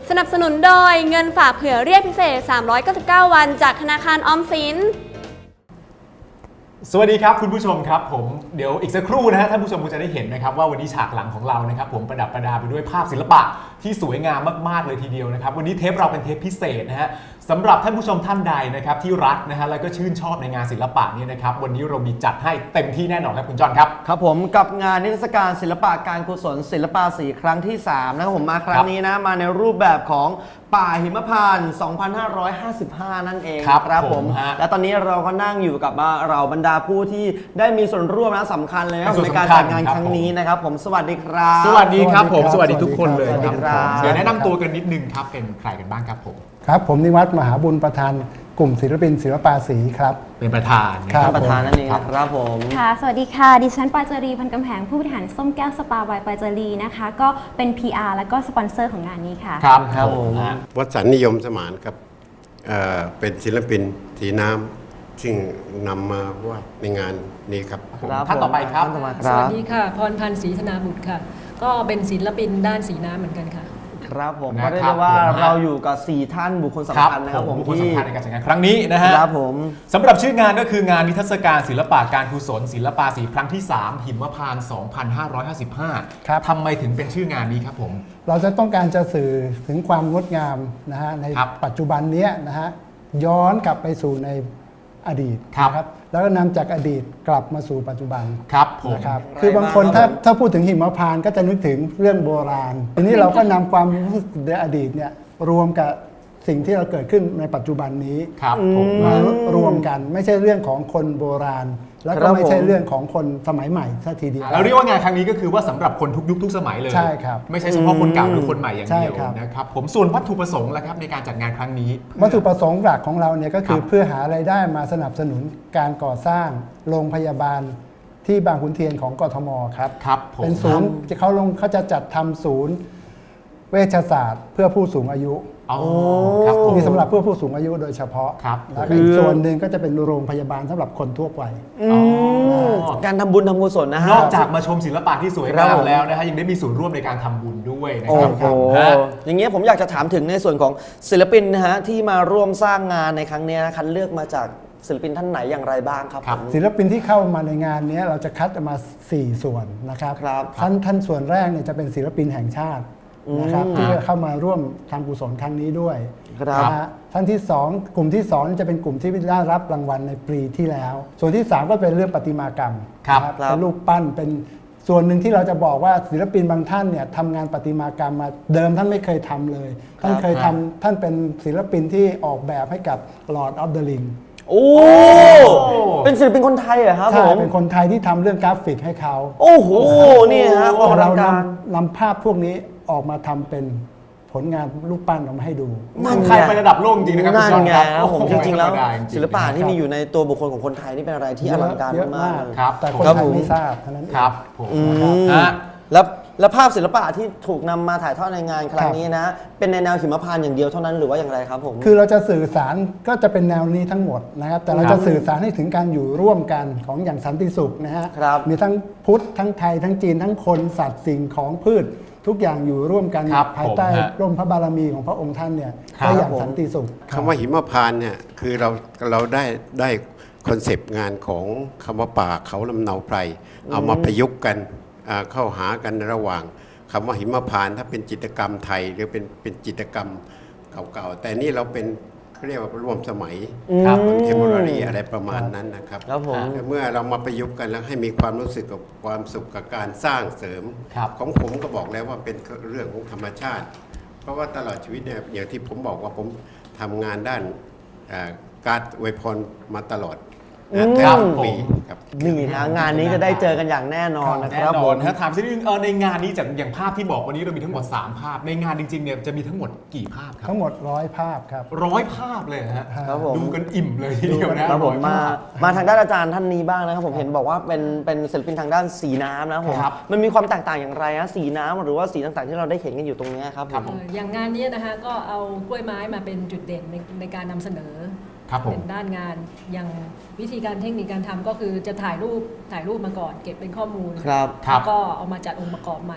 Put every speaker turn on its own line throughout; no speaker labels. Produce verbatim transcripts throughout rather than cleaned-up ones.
สนับสนุนโดยเงินฝากเผื่อเรียกพิเศษสามร้อยเก้าสิบเก้าวันจากธนาคารออมสิน
สวัสดีครับคุณผู้ชมครับผมเดี๋ยวอีกสักครู่นะฮะท่านผู้ชมคงจะได้เห็นนะครับว่าวันนี้ฉากหลังของเรานะครับผมประดับประดาไปด้วยภาพศิลปะที่สวยงามมากๆเลยทีเดียวนะครับวันนี้เทปเราเป็นเทปพิเศษนะฮะสำหรับท่านผู้ชมท่านใดนะครับที่รักนะฮะแล้วก็ชื่นชอบในงานศิลปะนี้นะครับวันนี้เรามีจัดให้เต็มที่แน่นอนครับคุณจอนครับ
ครับผมกับงานนิทรรศการศิลปะการกุศลศิลปาสีครั้งที่สามนะครับผมมาครั้งนี้นะมาในรูปแบบของป่าหิมพานต์สองพันห้าร้อยห้าสิบห้านั่นเองครับผมและตอนนี้เราก็นั่งอยู่กับเราบรรดาผู้ที่ได้มีส่วนร่วมและสำคัญเลยในการจัดงานครั้งนี้นะครับผมสวัสดีครับ
สวัสดีครับผมสวัสดีทุกคนเลยครับเดี๋ยวแนะนำตัวกันนิดนึงครับเป็นใครกันบ้างครับผม
ครับผมนิวัฒน์มหาบุญประธานกลุ่มศิลปินศิลปาสีครับ
เป็นประธาน
ครับประธานนั่นเองครับผม
ค่ะสวัสดีค่ะดิฉันปาจารีพันกำแหงผู้บริหารส้มแก้วสปาบายปาจารีนะคะก็เป็น พี อาร์ แล้วก็สปอนเซอร์ของงานนี้ค่ะ
ครับครับผม
วสันต์นิยมสมานครับ เอ่อ เป็นศิลปินสีน้ำซึ่งนำมาวาดในงานนี้ครับ
ท่านต่อไปครับ
สวัสดีค่ะพรพันธ์ศรีธนาบุตรค่ะก็เป็นศิลปินด้านสีน้ำเหมือนกันค่ะ
ครับผมก็ได้ว่าเราอยู่กับสี่ท่านบุคคลสำคัญนะครับผม
บุคคลสำคัญในการจัดงานครั้งนี้นะฮะ
ครับผม
สำหรับชื่องานก็คืองานนิทรรศการศิลปะการกุศลศิลปาสีครั้งที่สามหิมพานต์สองพันห้าร้อยห้าสิบห้าครับทำไมถึงเป็นชื่องานนี้ครับผม
เราจะต้องการจะสื่อถึงความงดงามนะฮะในปัจจุบันนี้นะฮะย้อนกลับไปสู่ในอดีตนะครับแล้วก็นำจากอดีตกลับมาสู่ปัจจุบัน
ครับผม
นะครับคือบางคนถ้าถ้าพูดถึงหิมพานต์ก็จะนึกถึงเรื่องโบราณทีนี้เราก็นำความรู้สึกในอดีตเนี่ยรวมกับสิ่งที่เราเกิดขึ้นในปัจจุบันนี้มารวมกันไม่ใช่เรื่องของคนโบราณแล้วก็ไม่ใช่เรื่องของคนสมัยใหม่ซะทีเดียว
เราเรียกว่างานครั้งนี้ก็คือว่าสำหรับคนทุกยุคทุกสมัยเลย
ใช่ครับ
ไม่ใช่เฉพาะคนเก่าหรือคนใหม่อย่างเดียวนะครับผมส่วนวัตถุประสงค์ล่ะครับในการจัดงานครั้งนี้
วัตถุประสงค์หลักของเราเนี่ยก็คือเพื่อหารายได้มาสนับสนุนการก่อสร้างโรงพยาบาลที่บางขุนเทียนของกทมครับ
ครับ
เป็นศูนย์เขาลงเขาจะจัดทำศูนย์เวชศาสตร์เพื่อผู้สูงอายุมีสำหรับเพื่อผู้สูงอายุโดยเฉพาะแล้วอีกส่วนหนึ่งก็จะเป็นโรงพยาบาลสำหรับคนทั่วไป
การทำบุญทำกุศลนะฮะ
นอกจากมาชมศิลปะที่สวยงามแล้วนะฮะยังได้มีส่วนร่วมในการทำบุญด้วยนะครับ
โอ้โหอย่างเงี้ยผมอยากจะถามถึงในส่วนของศิลปินนะฮะที่มาร่วมสร้างงานในครั้งนี้นะคัดเลือกมาจากศิลปินท่านไหนอย่างไรบ้างครับ
ศิลปินที่เข้ามาในงานนี้เราจะคัดมาสี่ส่วนนะครับท่านท่านส่วนแรกเนี่ยจะเป็นศิลปินแห่งชาตินะครับที่เข้ามาร่วมทำกุศลครั้งนี้ด้วยนะฮะท่านที่สองกลุ่มที่สองจะเป็นกลุ่มที่ได้รับรางวัลในปีที่แล้วส่วนที่สามก็เป็นเรื่องประติมากรรมเป็นรูปปั้นเป็นส่วนหนึ่งที่เราจะบอกว่าศิลปินบางท่านเนี่ยทำงานประติมากรรมมาเดิมท่านไม่เคยทำเลยท่านเคยทำท่านเป็นศิลปินที่ออกแบบให้กับ Lord of the Ring
โอ้เป็นศิลปินคนไทยเหรอครับผม
เป็นคนไทยที่ทำเรื่องกราฟิกให้เขา
โอ้โหนี่ฮะ
เรานำนำภาพพวกนี้ออกมาทำเป็นผลงานรูปปั้นออกมาให้ดู
มันใครไประดับโลกจริงนะครับ
นั่นไงผมจริงๆแล้วศิลปะที่มีอยู่ในตัวบุคคลของคนไทยนี่เป็นอะไรที่อลังการมาก
ครับแต่คนไทยไม่ทราบเท่านั้น
ครับ
แล้วแล้วภาพศิลปะที่ถูกนำมาถ่ายทอดในงานครั้งนี้นะเป็นในแนวหิมพานต์อย่างเดียวเท่านั้นหรือว่าอย่างไรครับผม
คือเราจะสื่อสารก็จะเป็นแนวนี้ทั้งหมดนะครับแต่เราจะสื่อสารให้ถึงการอยู่ร่วมกันของอย่างสันติสุขนะฮะมีทั้งพุทธทั้งไทยทั้งจีนทั้งคนสัตว์สิ่งของพืชทุกอย่างอยู่ร่วมกันภายใต้ร่มพระบารมีของพระองค์ท่านเนี่ยก็อย่างสันติสุข
คำว่าหิมพานต์เนี่ยคือเราเราได้ได้คอนเซปต์งานของคำว่าป่าเขาลำเนาไพรเอามาประยุกต์กันเข้าหากันระหว่างคำว่าหิมพานต์ถ้าเป็นจิตรกรรมไทยหรือเป็นเป็นจิตรกรรมเก่าๆแต่นี่เราเป็นเขาเรียกว่าร่วมสมัยคอนเทมโพรารีอะไรประมาณนั้นนะครับเมื่อเรามาประยุกต์กันแล้วให้มีความรู้สึกกับความสุขกับการสร้างเสริมของผมก็บอกแล้วว่าเป็นเรื่องของธรรมชาติเพราะว่าตลอดชีวิตเนี่ยอย่างที่ผมบอกว่าผมทำงานด้านการอวยพรมาตลอด
ครับปีนี่นะงานนี้จะได้เจอกันอย่างแน่นอนนะครับผม
ถ้าถามสักนิดนึงในงานนี้จากอย่างภาพที่บอกวันนี้เรามีทั้งหมดสามภาพในงานจริงๆเนี่ยจะมีทั้งหมดกี่ภาพครับ
ทั้งหมดร้อยภาพครับ
ร้อยภาพเลยฮะดูกันอิ่มเลยทีเดียวนะครับ
ผมมามาทางด้านอาจารย์ท่านนี้บ้างนะครับผมเห็นบอกว่าเป็นเป็นศิลปินทางด้านสีน้ำนะผมมันมีความแตกต่างอย่างไรนะสีน้ำหรือว่าสีต่างๆที่เราได้เห็นกันอยู่ตรงนี้ครับ
อย่างงานนี้นะคะก็เอากล้วยไม้มาเป็นจุดเด่นในในการนำเสนอเป็นด้านงานอย่างวิธีการเทคนิคการทำก็คือจะถ่ายรูปถ่ายรูปมาก่อนเก็บเป็นข้อมูลแล้วก็เอามาจัดองค์ประกอบใหม่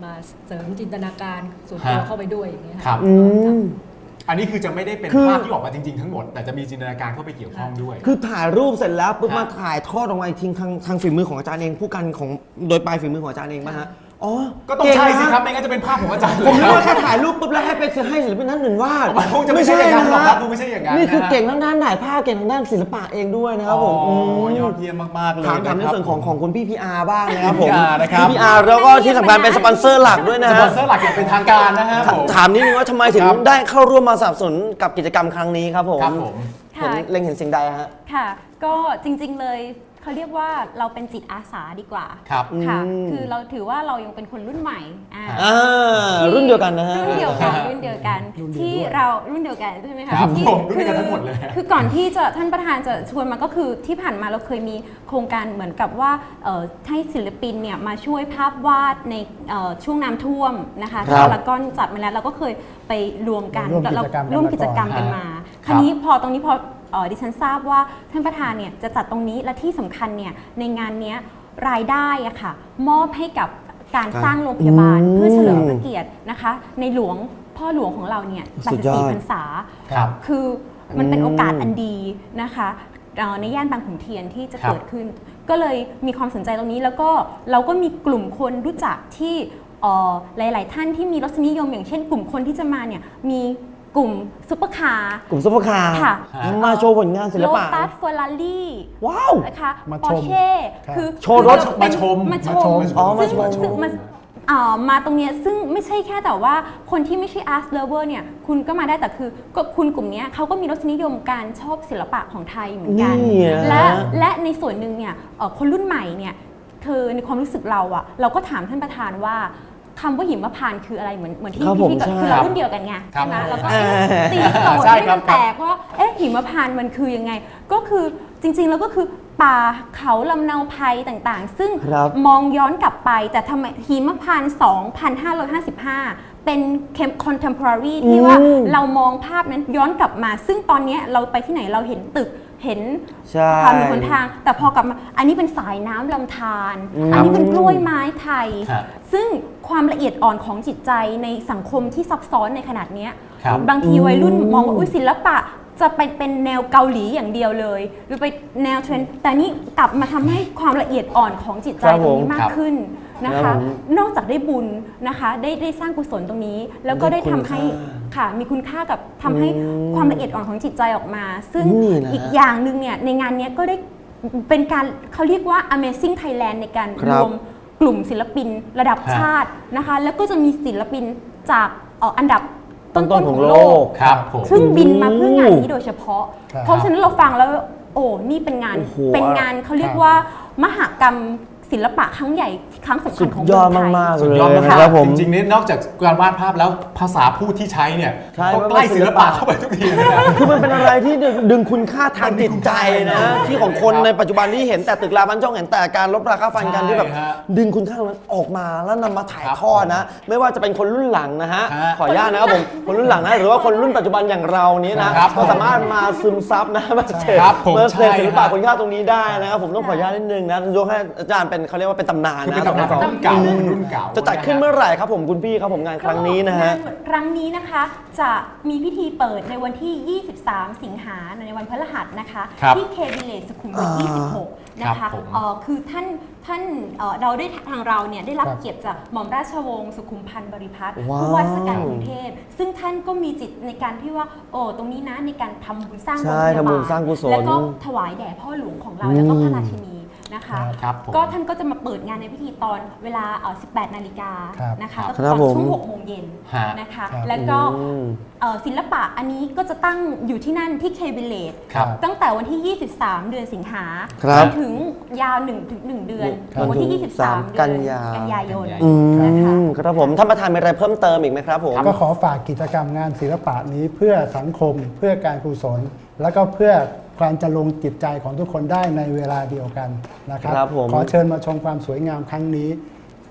มาเสริมจินตนาการส่วนตัวเข้าไปด้วยอย่างเงี้ย
ครับ
อืม
อันนี้คือจะไม่ได้เป็น
คือ
ภาพที่ออกมาจริง ๆ ทั้งหมด แต่จะมีจินตนาการเข้าไปเกี่ยวข้องด้วย
คือถ่ายรูปเสร็จแล้วปุ๊บ
ฮะ
มาถ่ายทอดออกมาอีกทีทางทางฝีมือของอาจารย์เองผู้กันของโดยปลายฝีมือของอาจารย์เองป่ะฮะอ๋อ
ก็ต้อง
เง
ใช่
นะ
สิครับไม่งั้นจะเป็นภาพของอาจารย์
ผมนึก
เลย
ว่าแค่ถ่ายรูปปุ๊บแล้วให้ไปให้ศิลปินท่านอื่นวาด
มันคงจะไม่ใช่อย่างนั้นหรอกครับ
ะ
ดูไม่ใช่อย่างนั้น
นี่คือ
นะฮะ
เก่งทางด้านถ่ายภาพเก่งทางด้านศิลปะเองด้วยนะครับผม
อ๋อ
ม
ยอดเยี่ยมมากๆเลย
ถามถามใน
ะครับ
ส่วนของของคุณพี่พีอาร์บ้างนะครับผม
พี่ พี อาร์ นะครับ
พี่พีอาร์แล้วก็ที่สำคัญเป็นสปอนเซอร์หลักด้วยนะ
ส
ฮะ
ปอนเซอร์หลักอย่างเป็นทางการนะฮะผม
ถามนิดนึงว่าทำไมถึง
ครับ
ได้เข้าร่วมมาสนับสนุนกับกิจกรรมครั้งนี้ครับผม
ครับผม
เห็น
ค่ะ
เล็งเห็นสิ่งใดฮะ
ค่ะ ก็จริงๆเลยเขาเรียกว่าเราเป็นจิตอาสาดีกว่า
ครับ
ค่ะ
อืม
คือเราถือว่าเรายังเป็นคนรุ่นใหม่อ่า
อ่า
ที่
รุ่นเดียวกันนะฮะ
รุ่นเดียวกันรุ่นเดียวกัน
รุ่นเดียว
ที่
ด้วย
เรารุ่นเดียวกันใช่ไหมคะ
ครับ
ที่
ผมรุ่นเดียวกันทั้งหมดเลย
คือก่อนที่จะท่านประธานจะชวนมาก็คือที่ผ่านมาเราเคยมีโครงการเหมือนกับว่าเอ่อให้ศิลปินเนี่ยมาช่วยภาพวาดในเอ่อช่วงน้ำท่วมนะคะ
ครับ
ที่พารากอนจัดมาแล้วเราก็เคยไปรวมกัน
ร่วม
แล้ว
กิจกรรมกัน
ร่วม
มา
กิจกรรม
ก่อน
กันมา
ครับ
คราวนี้พอตรงนี้พอเอ่อดิฉันทราบว่าท่านประธานเนี่ยจะจัดตรงนี้และที่สำคัญเนี่ยในงานเนี้ยรายได้อะค่ะมอบให้กับการสร้างโรงพยาบาล
อืม
เพื่อเฉลิมพระเกียรตินะคะในหลวงพ่อหลวงของเราเนี่ย
สุดยอด
แปดสิบสี่พรรษา
ครับ
คือมันเป็น
อืม
โอกาสอันดีนะคะเอ่อในย่านบางขุนเทียนที่จะ
ครับ
เกิดขึ้น ก็เลยมีความสนใจตรงนี้แล้วก็เราก็มีกลุ่มคนรู้จักที่เอ่อหลาย ๆ ท่านที่มีรสนิยมอย่างเช่น กลุ่มคนที่จะมาเนี่ยมีกลุ่มซุปเปอร์คาร์
กลุ่มซุปเปอร์คาร์
ค่ะ
มาโชว์ผลงานศิล
โล
ปะ
ตัสเฟอร์รารี่
ว้าว
นะคะ
มา
ปอ
ชม
ร์เช่
ครับ
คือ
โชว์รถ
เป็น
มาชม
มาช
มาช
ม
ม
อ๋อมาชม
ซึ่งซึ่งมาเอ่อมาตรงเนี้ยซึ่งไม่ใช่แค่แต่ว่าคนที่ไม่ใช่ art lover เนี่ยคุณก็มาได้แต่คือก็คุณกลุ่มเนี้ยเขาก็มีรสนิยมการชอบศิลปะของไทยเหมือนกัน
นี่อะ
และและในส่วนหนึ่งเนี่ยเอ่อคนรุ่นใหม่เนี่ยคือในความรู้สึกเราอะเราก็ถามท่านประธานว่าคำว่าหิมพานต์คืออะไรเหมือนเหมือนที่
ครับผม
พี่ๆก็
ใช่
คือเรารุ่นเดียวกันไง
ครับ
ใช่ไหมแล้วก็
เออ
ตีโจทย์
ใช่
ให้
ครั
มั
บ
นแตกว่าเอ๊ะหิมพานต์มันคือยังไง ก็คือจริงๆแล้วก็คือป่าเขาลำเนาไพรต่างๆ ซึ่ง
ครับ
มองย้อนกลับไปแต่ทำไมหิมพานต์สองพันห้าร้อยห้าสิบห้า เป็น contemporary ที่ว่า
อืม
เรามองภาพนั้นย้อนกลับมา ซึ่งตอนเนี้ยเราไปที่ไหนเราเห็นตึกเห็น
ใช่
ความเป็นหนทาง แต่พอกลับมาอันนี้เป็นสายน้ำลำธาร
อืม
อันนี้เป็นกล้วยไม้ไทย
ครับ
ซึ่งความละเอียดอ่อนของจิตใจในสังคมที่ซับซ้อนในขนาดเนี้ย
ครับ
บางทีวัยรุ่นมองว่าอุ๊ยศิลปะจะไปเป็นแนวเกาหลีอย่างเดียวเลย หรือไปแนวเทรนด์แต่นี่กลับมาทำให้ความละเอียดอ่อนของจิตใจ
ครับ
ตรงนี้
ผม
มากขึ้นนะ
ครั
คะ
บผม
นอกจากได้บุญนะคะได้ได้สร้างกุศลตรงนี้ แล้วก็
ได้
ได้
คุณ
ทำให้
ค่า
ค่ะมีคุณค่ากับทำให้
อืม
ความละเอียดอ่อนของจิตใจออกมา ซึ่ง
นี่นะ
อีกอย่างหนึ่งเนี่ยในงานเนี้ยก็ได้เป็นการเขาเรียกว่า Amazing Thailand ในการ
ครั
ร
บ
วมกลุ่มศิลปินระดับ
ฮะ
ชาตินะคะแล้วก็จะมีศิลปินจากเอ่ออันดับ
ต้
ต้
น
น
ๆ
ๆ
ข
ข
อ
อง ง
โล
โล
ก
ก
ครับผม
ซึ่งบินมาเพื่องานนี้โดยเฉพาะ
ครับ
เพราะฉะนั้นเราฟังแล้ว โอ้ นี่เป็นงาน
โอ้โห
เป็นงานเขาเรียก
ครับ
ว่ามหกรรมศิลปะครั้งใหญ่ครั้งสำคั
สุ
ญ
ด
ของ
ย
เมื
อ
อ
ด
งไทย
มากๆ
สุด
เลย
ยอดมาก
นะครับผม
จริงๆเนี่ยนอกจากการวาดภาพแล้วภาษาพูดที่ใช้เนี่ย
ใช่
ก็ใกล้ศิลปะเข้าไปทุกทีเลยนะ
คือมันเป็นอะไรที่ดึงดึงคุณค่าทางจิตใจนะ
มันมีคุณค่า
ที่ของคน
ครับ
ในปัจจุบันที่เห็นแต่ตึกราบ้านช่องเห็นแต่การลบราคาฟันกัน
ใช่
ที่แบบ
ฮะ
ดึงคุณค่าตรงนั้นออกมาแล้วนำมาถ่าย
ครับ
ทอดนะ ไม่ว่าจะเป็นคนรุ่นหลังนะฮะ
ฮะ
ขออนุญาตนะครับผมคนรุ่นหลังนะหรือว่าคนรุ่นปัจจุบันอย่างเรานี้นะครับ ก็สามารถมาซึมซับนะมาเสพ
ครับผม
มาเสพ
ใช่
ศิลปะ
ฮะ
คุณค่าตรงนี้ได้นะครับผมต้องขออนุญาตนิดนึงนะยกให้อาจารย์เป็นเขาเรียกว่าเป็นตำนาน
คือ
นะ
เป็นตำนานของรุ่นเก่าเป็นรุ่นเก่า
จะจัดขึ้นเมื่อไหร่ครับผมคุณพี่ครับผมงานครั้งนี้นะฮะ
งานครั้งนี้นะคะจะมีพิธีเปิดในวันที่ ยี่สิบสาม สิงหาคมในวันพฤหัสนะคะ
ครับ
ที่เคบิเลตสุขุมวิท ยี่สิบหก นะ
ครั
คะ
บผม
เอ่อคือท่านท่านเอ่อเราได้ทางเราเนี่ยได้รับ
ครับ
เกียรติจากหม่อมราชวงศ์สุขุมพันธ์บริพัตร
ว้าว
ผู้ว่าราชการกรุงเทพซึ่งท่านก็มีจิตในการที่ว่าโอ้ตรงนี้นะในการทำบุญสร้าง
ใช่
โรงพยา
ทำบุ
บา
ญ
ล
สร้างกุศล
แล้วก็ถวายแด่พ่อหลวงของเราแล้วก็พระราชินีนะคะ
ครับผม
ก็ท่านก็จะมาเปิดงานในพิธีตอนเวลาเอ่อสิบแปดนาฬิกา
ครับ
นะคะ
ครับ
ก็คือตอนช่วงหกโมงเย็น
ฮะ
นะคะ
ครับ
แล้วก็
อืม
เอ่อศิลปะอันนี้ก็จะตั้งอยู่ที่นั่นที่เคบิเลต
ครับ
ตั้งแต่วันที่ ยี่สิบสาม เดือนสิงหา
ครับ
จนถึงยาว1ถึง1เดือน
ครับ
ถึงวันที่ ยี่สิบสาม เดื
กั
อน
นยา
กันยายน
อื
นะคะ
มครับผมท่านประธานมีอะไรเพิ่มเติมอีกไหมครับผม
ก็ขอฝากกิจกรรมงานศิลปะนี้เพื่อสังคมเพื่อการกุศล แล้วก็เพื่อความจะลงจิตใจของทุกคนได้ในเวลาเดียวกันนะครับ
ครับผม
ขอเชิญมาชมความสวยงามครั้งนี้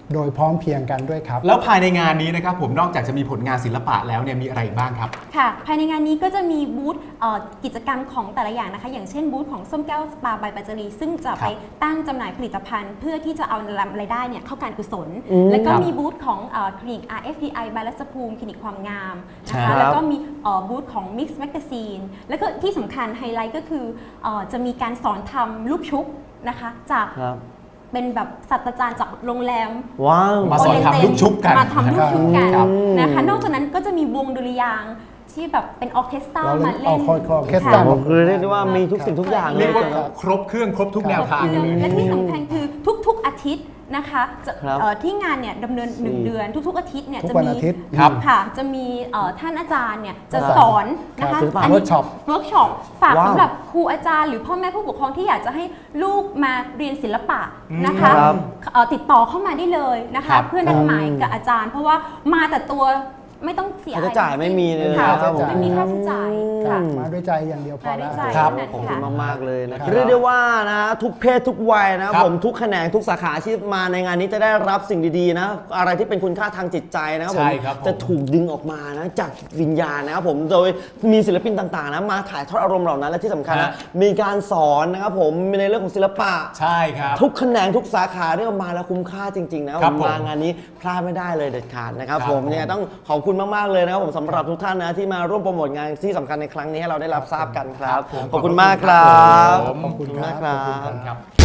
โดยพร้อมเพรียงกันด้วยครับ
แล้วภายในงานนี้นะครับผมนอกจากจะมีผลงานศิลปะแล้วเนี่ยมีอะไรอีกบ้างครับ
ค่ะภายในงานนี้ก็จะมีบูธเอ่อกิจกรรมของแต่ละอย่างนะคะอย่างเช่นบูธของส้มแก้วสปาบายปัจจรีซึ่งจะไปตั้งจำหน่ายผลิตภัณฑ์ เพื่อที่จะเอารายได้เนี่ยเข้าการกุศล แล้วก็มีบูธของเอ่อคลินิก อาร์ เอฟ พี ไอ บายรัศภูมิคลินิกความงามนะคะแล้วก็มีเอ่อบูธของ Mix Magazine แล้วก็ที่สำคัญไฮไลท์ก็คือเอ่อจะมีการสอนทำลูกชุบนะคะจากเป็นแบบศาสตราจารย์จากโรงแรม
ว้าว
มาสอนทำลูกชุบกัน
มาทำลูกชุบกัน
ครับ
นะคะนอกจากนั้นก็จะมีวงดุริยางค์ที่แบบเป็นออร์เคสตรา
เราเล่
มาน เล่น
เอาคอร์เคสตรา
ค่ะ
คือเรียกได้ว่ามีทุกสิ่งทุกอย่างเล
เรีย
ย
กว่าครบเครื่องครบทุกแนวทาง
และที่สำคัญคือทุกๆอาทิตย์นะคะจะ
ครับ
เอ่อที่งานเนี่ยดำเนินหนึ่งเดือนทุกๆอาทิตย์เนี่ย
ทุก
จะ
วัน
มี
อาทิตย์
ครับ
ค่ะจะมีเอ่อท่านอาจารย์เนี่ยจะ
ครับ
สอนนะคะ
ศิลปะ
อันนี้
workshop
เวิร์กช็อปฝาก
ว้าว
สำหรับครูอาจารย์หรือพ่อแม่ผู้ปกครองที่อยากจะให้ลูกมาเรียนศิลปะนะคะ
ครับ
เอ่อติดต่อเข้ามาได้เลยนะ
ครั
คะ
บ
เพื่อนัดหมายกับอาจารย์ เพราะว่ามาแต่ตัวไม่ต้องเสีย
ค่าใช้จ่ายไม่มีเลย
ค่ะ
ครับผม
ไม่มีค่าใช้จ่าย
ครั
ค่ะ
บมาด้วยใจอย่างเดียวพอ
มาด้
แล้ว วย
ใจ
ครับ
เท่านั้น
ขอบคุ
ค่ะ
ณมากๆเลยนะค
ครั
รับบ เรียกได้ว่านะทุกเพศทุกวัยนะครับ ผมทุกแขนงทุกสาขาอาชีพมาในงานนี้จะได้รับสิ่งดีๆนะอะไรที่เป็นคุณค่าทางจิตใจนะครับผม
ใช่ครับผม
จะถูกดึงออกมานะจากวิญญาณนะครับผมโดยมีศิลปินต่างๆนะมาถ่ายทอดอารมณ์เหล่านั้นและที่สำคัญนะมีการสอนนะครับผมในเรื่องของศิลปะ
ใช่ครับ
ทุกแขนงทุกสาขาเรียกว่ามาแล้วคุ้มค่าจริงๆนะครับ
ครับ
ผม
ผม
มางานนี้พลาดไม่ได้เลยเด็ดขาดนะครับ
ครับ
ผม
ผม
ยังไงต้องขอบคุณมากๆเลยนะครับผมสำหรับทุกท่านนะที่มาร่วมโปรโมทงานที่สำคัญในครั้งนี้ให้เราได้รับทราบกันครับ
ผม
ขอบคุณมากครับ
ขอบคุณ
ขอบคุณ
มาก
ค
ค
รั
รับ บ
ครับ